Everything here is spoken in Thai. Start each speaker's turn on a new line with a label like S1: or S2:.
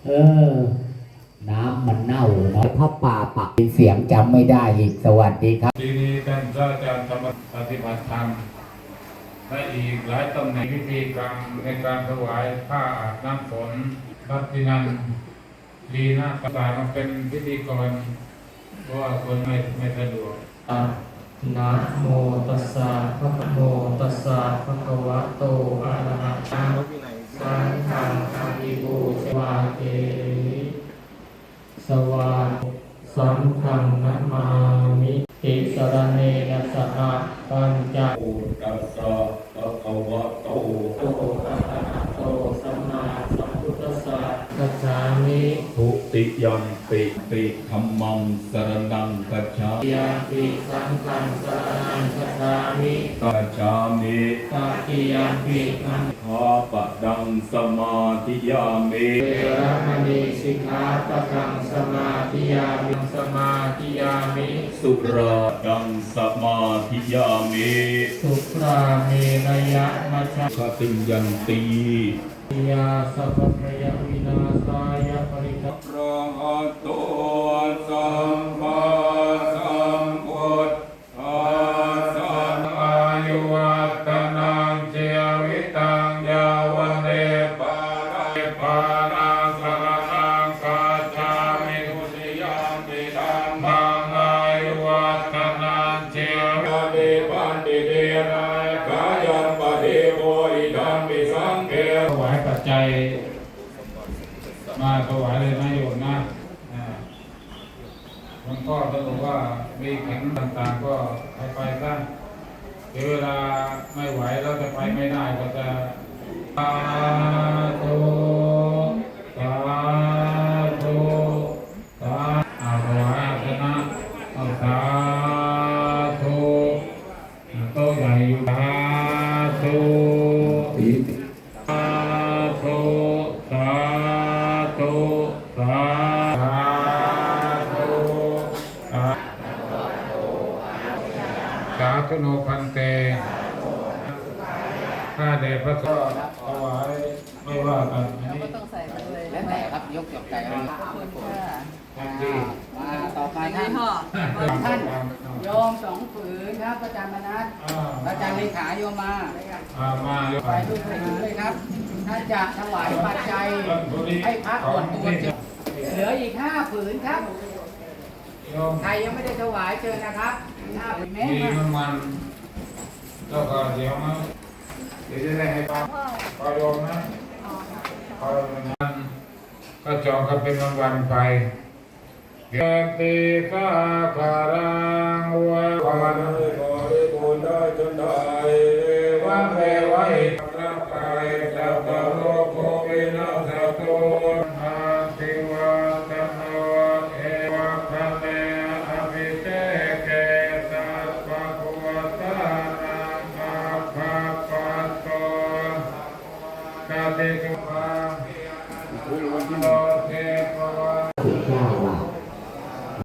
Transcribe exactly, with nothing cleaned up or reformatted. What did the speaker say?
S1: เออน้ำมันเน่าเนาะพระป่าปักเสียงจำไม่ได้อีกสวัสดีครับ
S2: ทีนี้ท่านพระอาจารย์ธรรมปฏิบัติธรรมและอีกหลายตำแหน่งพิธีกรรมในการถวายผ้าอาบน้ำฝนพัฒนันดีนะประสานมาเป็นพิธีกรเพราะว่าคนไม่ไม่สะดวก
S3: นะโมตัสสะภะคะโมตัสสะภะคะวะโตอะระหะโตสัมมาสัมพุทโธสวาเกสวาสัมคังนะมามิติสรณเนนะสหปัญจ
S2: อุตัสสะภะคะวะโต
S3: โตอะระหะโตสัมมาสัมพุทธัสสะกัจฉามิ
S2: ทุติยัมปิติธัมมังสรณังกัจฉา
S3: ติยาปิสังฆังสรณังคัจฉามิ
S2: กัจฉามิ
S3: ตติยาปินัง
S2: ข้าปะดังสมาธิยามิ
S3: เวรมณีสิกขาปะทังสมาธิยามิสมาธิยามิ
S2: สุราดังสมาธิยามิ
S3: สุราเมรยะมัชฌะ
S2: คติยันติ
S3: ยาสัพพยวินาศายปริทัพ
S2: พระหัตโตสัมมาสัมพุทธัสสะอายุวัฒนังเจวิตังยาวันเนปาราปาราสรณังกัจฉามิทุติยัมปิธัมมังอายุวัฒนังเจวิเดปันติเดนะกายัมปะเดโมอิธัมปิสังเฆถวายปัจจัยมาถวายเลยนะโยมนะหลวงพ่อท่านบอกว่ามีแข็งต่างๆก็ไปไปซะเดี๋ยวเวลาไม่ไหวแล้วจะไปไม่ได้ก็จะสาธุสาธุสาอาถวายอาสนะเอาสาธุโต๊ะใหญ่อยู่สาธุสาธุสาธุสาธุสาสาธุโนพันเตข้าเดชพระสงฆ์ถวายไม่ว่ากันอันนี้
S4: ต้องใส่ไปเลย
S1: แล้วแต่ครับยกจบใจเอา
S4: ขอบคุณค่ะ
S2: ทันที
S1: มาต่อไปท่าน
S4: พ่อ
S1: ท่านโยมสองผืนครับอาจารย์มนัสอาจารย์เลขาโยมมา
S2: อ่ามา
S1: ไปทุกผืนเลยครับท่านจะถวายปัจจัยให้พระก่อนตัวเหลืออีกห้าผืนครับใครยังไม่ได้ถวายเชิญนะครับห้าผืนแม่
S2: ดี
S1: มา
S2: มันมันแล้วก็เดี๋ยวนะเดี๋ยวจะได้ให้ป้าพอโยมนะพอนั้นก็จองกันเป็นวันวันไปเกติสาคารังวะวันขอให้บุญได้จนได้วันเวไว้ร่างกายสัพพะโลกโควินาศโตอาติวัตโนเอวะคะเนอภิเตเกสัพพะโคตานังอาภาปัสโตกาติ